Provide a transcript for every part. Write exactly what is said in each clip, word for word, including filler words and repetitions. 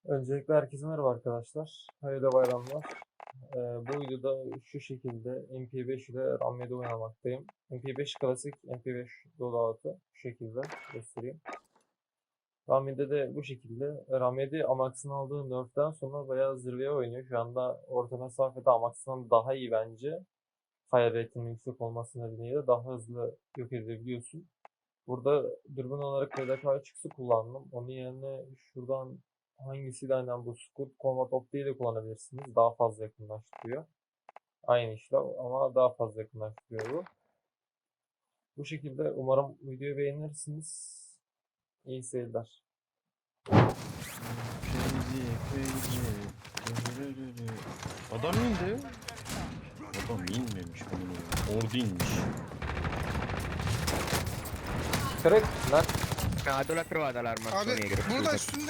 Öncelikle herkese merhaba arkadaşlar. Hayırlı bayramlar. Ee, bu videoda şu şekilde M P beş ile RAM yedi oynamaktayım. M P beş klasik, M P beş loadout'u şu şekilde göstereyim. RAM yedi de bu şekilde. RAM yedi Amax'ın aldığı nerf'ten sonra bayağı zirveye oynuyor. Şu anda orta mesafede Amax'tan daha iyi bence. Fire rate'inin yüksek olması nedeniyle daha hızlı yok edebiliyorsun. Burada dürbün olarak R D K üç X'i kullandım. Onun yerine şuradan hangisiyle aynen bu Scout Combat Opti'yi de kullanabilirsiniz. Daha fazla yakınlaştırıyor. Aynı işlem ama daha fazla yakınlaştırıyor bu. Bu şekilde umarım videoyu beğenirsiniz. İyi seyirler. Crazy, crazy. Adam indi. Adam inmemiş bunun. Ordu inmiş. Kırık lan. Ah, tu l'ha trovata l'arma Abi negro. burada scusa. üstünde.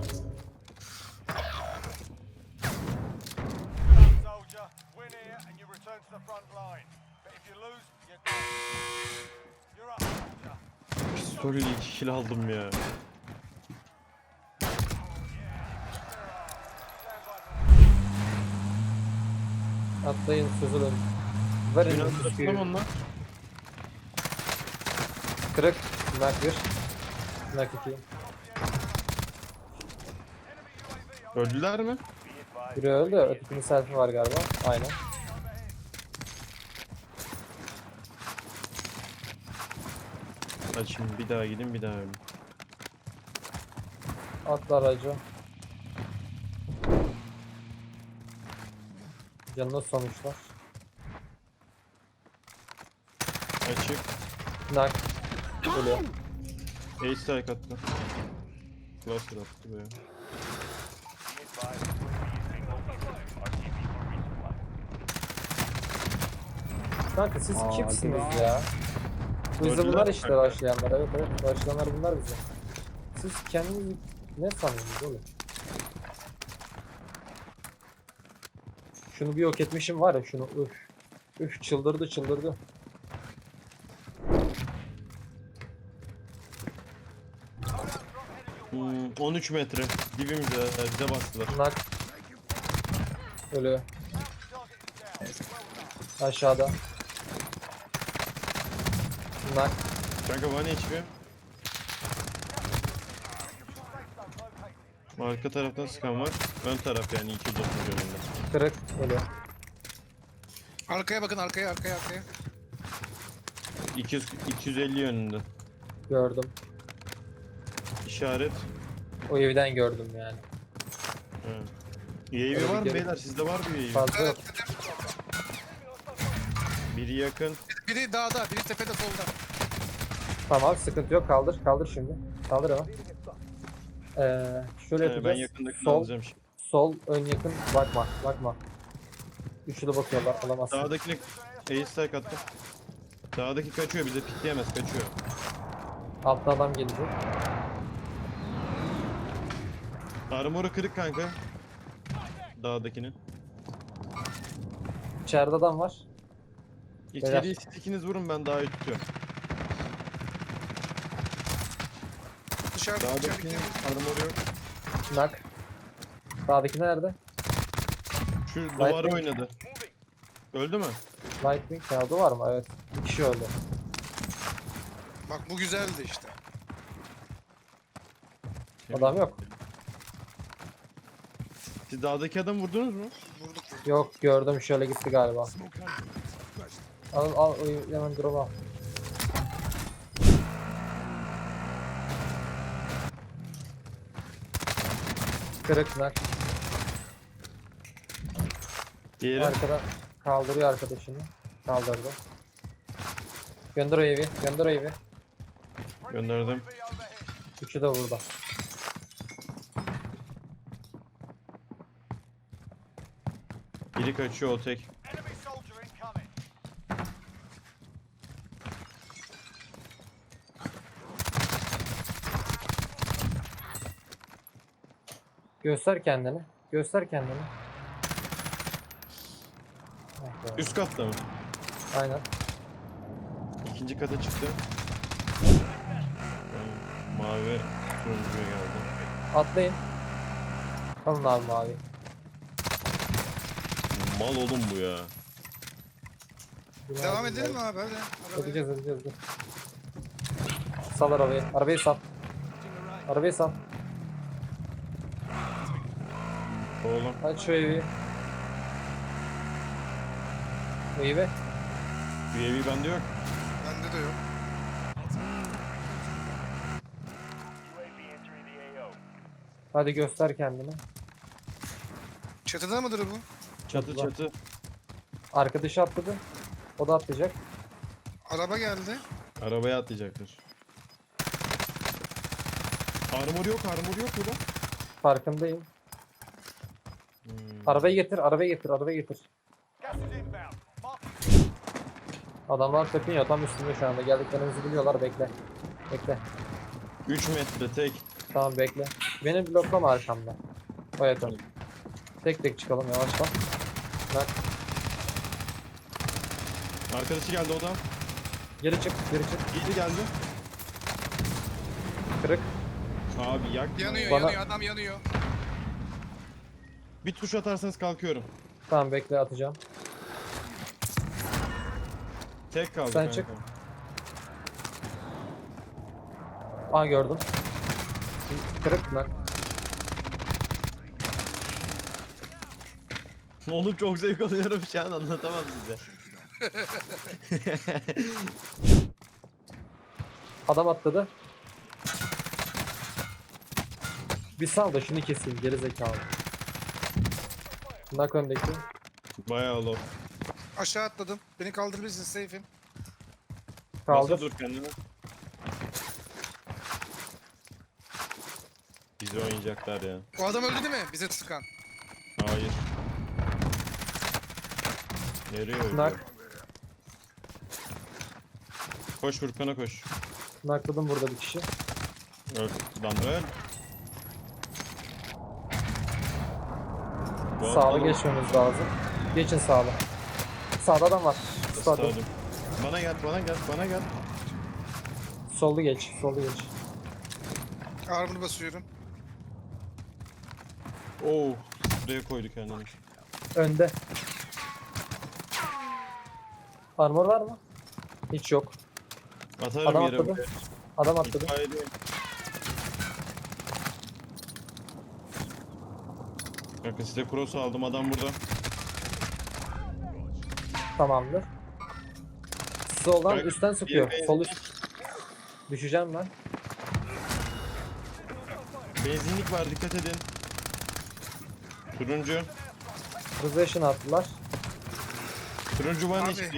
Soldier, win here and you return to the front line. But if you lose, you're done. You're up, soldier. Pistolle iki kill aldım ya. Atlayın, süzülün. Verin Yunan bu tarafından suyu. onlar. Kırık. Nak bir. Nak iki. Öldüler mi? Biri öldü. Ötekinin selfie var galiba. Aynen. Hadi şimdi bir daha gidin bir daha ölün. Atla aracı. Canına sonuçlar. Açık. Nak. Ölüyor. Ace strike attı. Cluster attı be. Kanka siz Aa, kimsiniz ya? Bu bize Gördüler bunlar mi işte kanka? başlayanlar. Evet evet başlayanlar bunlar bize. Siz kendinizi ne sanıyorsunuz oğlum? Şunu bir yok etmişim var ya şunu üf. Üf çıldırdı çıldırdı. Hmm, on üç metre. Dibimizde bize bastılar. Nak. Ölüyor. Aşağıda. Nak. Kanka one H P. Arka taraftan sıkan var. Ön taraf yani iki yüz otuz yönünde. Kırık. Ölüyor. Arkaya bakın arkaya arkaya arkaya. iki yüz, iki yüz elli yönünde. Gördüm. İşaret. O evden gördüm yani. Ha. U A V var mı beyler? Sizde var mı U A V? Fazla yok. Biri yakın. Biri dağda, biri tepede solda. Tamam sıkıntı yok kaldır kaldır şimdi. Kaldır ama. Ee, şöyle Ee, yapacağız. ben yakındakini Sol, alacağım şimdi. sol ön yakın bakma bakma. Üçlü bakıyorlar alamazsın. Dağdakine ace strike attı. Dağdaki kaçıyor bize pikleyemez kaçıyor. Altta adam gelecek. Armoru kırık kanka. Dağdakinin. İçeride adam var. İçeriye siz ikiniz vurun ben dağı tutuyorum. Dışarıda Dağdakinin dışarıda. armoru yok. Nak. Sağdaki nerede? Şu duvarı Lightning. oynadı. Öldü mü? Lightning kağıdı var mı? Evet. Bir kişi öldü. Bak bu güzeldi işte. Adam yok. Siz dağdaki adamı vurdunuz mu? Vurduk vurduk. Yok gördüm şöyle gitti galiba. Al al o hemen drop al. Kırık nak. Diğeri. Arkada kaldırıyor arkadaşını. Kaldırdı. Gönder o evi. Gönder o evi. Gönderdim. Üçü de burada. Biri kaçıyor o tek. Enemy soldier incoming. Göster kendini. Göster kendini. Ah be. Üst katta mı? Aynen. İkinci kata çıktı. Mavi turuncuya geldi. Atlayın. Alın abi mavi. Mal oğlum bu ya. Bunu Devam aldım edelim mi abi. abi hadi. Arabaya. Edeceğiz edeceğiz. Dur. Sal arabayı. Arabayı sal. Arabayı sal. Oğlum. Aç şu evi. Bu evi. U A V bende yok. Bende de yok. U A V entering the A O. Hadi göster kendini. Çatıda mıdır bu? Çatı Çatıda. çatı. Arkadaşı atladı. O da atlayacak. Araba geldi. Arabaya atlayacaktır. Armor yok, armor yok burada. Farkındayım. Hmm. Arabayı getir, arabayı getir, arabayı getir. Gas is inbound. Mark Adamlar tepiniyor tam üstünde şu anda. Geldiklerimizi biliyorlar. Bekle. Bekle. üç metre tek. Tamam bekle. Beni bloklama arkamda. Evet tamam. Tek tek çıkalım yavaştan. Bak. Arkadaşı geldi o da. Geri çık, geri çık. İyi geldi. Kırık. Abi yak. Yanıyor Bana- yanıyor adam yanıyor. Bir tuş atarsanız kalkıyorum. Tamam bekle atacağım. Tek kaldı Sen kanka. çık. Aa gördüm. Kırık lan. Oğlum çok zevk alıyorum şu an anlatamam size. Adam atladı. Bir sal da şunu keseyim geri zekalı. Nak öndeki. Bayağı low. Aşağı atladım. Beni kaldırabilirsin safe'im. Kaldır. Nasıl dur kendini? Bizi oynayacaklar ya. O adam öldü değil mi? Bize sıkan. Hayır. Nereye öldü? Nak. Koş Furkan'a koş. Nakladım burada bir kişi. Öl. Lan öl. Bu Sağlı adam- geçmemiz lazım. Geçin sağlı. Sağda adam var. Sağda. Stadyum. Bana gel, bana gel, bana gel. Sollu geç. Sollu geç. Armor basıyorum. Oo, buraya koydu kendini. Önde. Armor var mı? Hiç yok. Atarım Adam yere atladı. buraya. Adam atladı. İtfaiyedeyim. Kanka size cross aldım, adam burada. Tamamdır. Soldan Bak, üstten sıkıyor. bir Sol üst. Düşeceğim ben. Benzinlik var, dikkat edin. Turuncu. Possession attılar. Turuncu var Abi. hiçbir.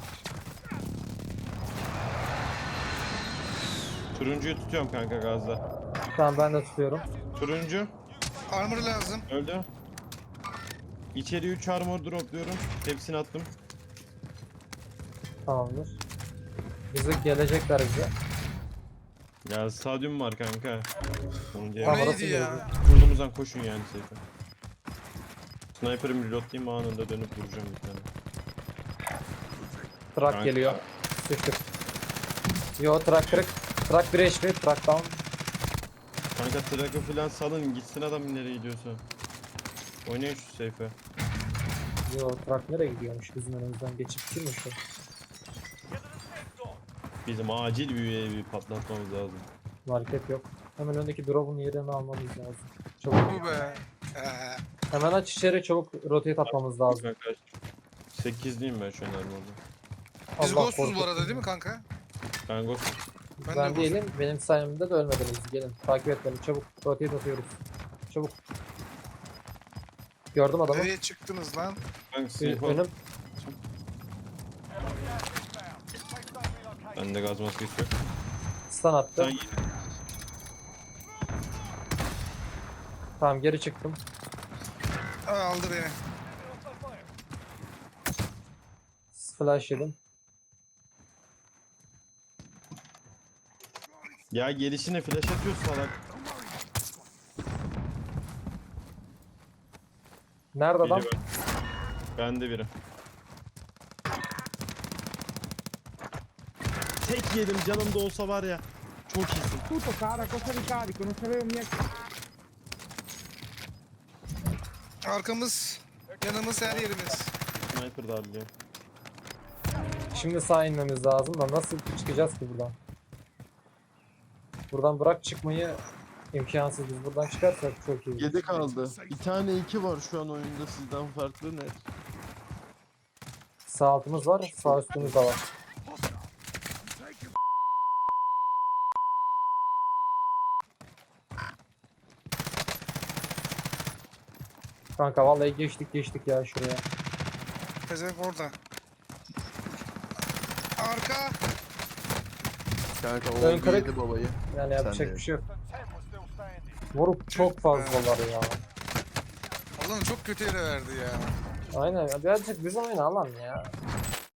Turuncuyu tutuyorum kanka gazda. Tamam ben de tutuyorum. Turuncu Armor lazım. öldü. İçeri üç armor dropluyorum. Hepsini attım. Tamamdır. Bizi gelecekler bize. Ya stadyum var kanka. Sonuncu O Tamam, yer. orası neydi ya? gelecek. Kurduğumuzdan koşun yani seyfe. Sniper'ımı reloadlayayım, anında dönüp vuracağım bir tane. Truck Kanka. geliyor. Sıçtık. Yo truck kırık. Truck bir H P. Truck down. Kanka track'ı falan salın, gitsin adam nereye gidiyorsa. Oynayın şu seyfe. Yo truck nereye gidiyormuş bizim önümüzden geçip girmiş o. Bizim acil bir U A V patlatmamız lazım. Market yok. Hemen öndeki drop'un yerini almamız lazım. Çabuk. Bu be. Ee, Hemen aç içeri çabuk rotate atmamız lazım. Kanka sekizliyim ben şu an orada. biz Allah ghostuz bu korkutsun. arada değil mi kanka? Ben Ghost. Ben Ben, de değilim. Benim sayemde de ölmediniz. Gelin takip et beni çabuk. Rotate atıyoruz. Çabuk. Gördüm adamı. Nereye çıktınız lan? Ben Ü- sniper. Önüm. Bende gaz maskesi yok. Stun attı. Sen Tamam geri çıktım. Aa, aldı beni. Flash yedim. ya gelişine flash atıyor salak. Nerede adam? Biri ben. Bende biri. Tek yedim canım da olsa var ya. Çok iyisin. Tutto cara, cosa ricarico? Non sapevo mica. Arkamız, yanımız, her yerimiz. Sniper darlıyor. Şimdi sağ inmemiz lazım da nasıl çıkacağız ki buradan? Buradan bırak çıkmayı imkansız. Biz buradan çıkarsak çok iyi. yedi kaldı. Bir tane iki var şu an oyunda sizden farklı net. Sağ altımız var, sağ üstümüz de var. Kanka vallahi geçtik geçtik ya şuraya. Pezevenk orada. Arka. Kanka o Ön kırık. yedi babayı. Yani yapacak de. bir şey yok. The ten were still standing. Vurup çok fazlalar ya. Allah'ım çok kötü yere verdi ya. Aynen ya birazcık bizim oyunu alan ya.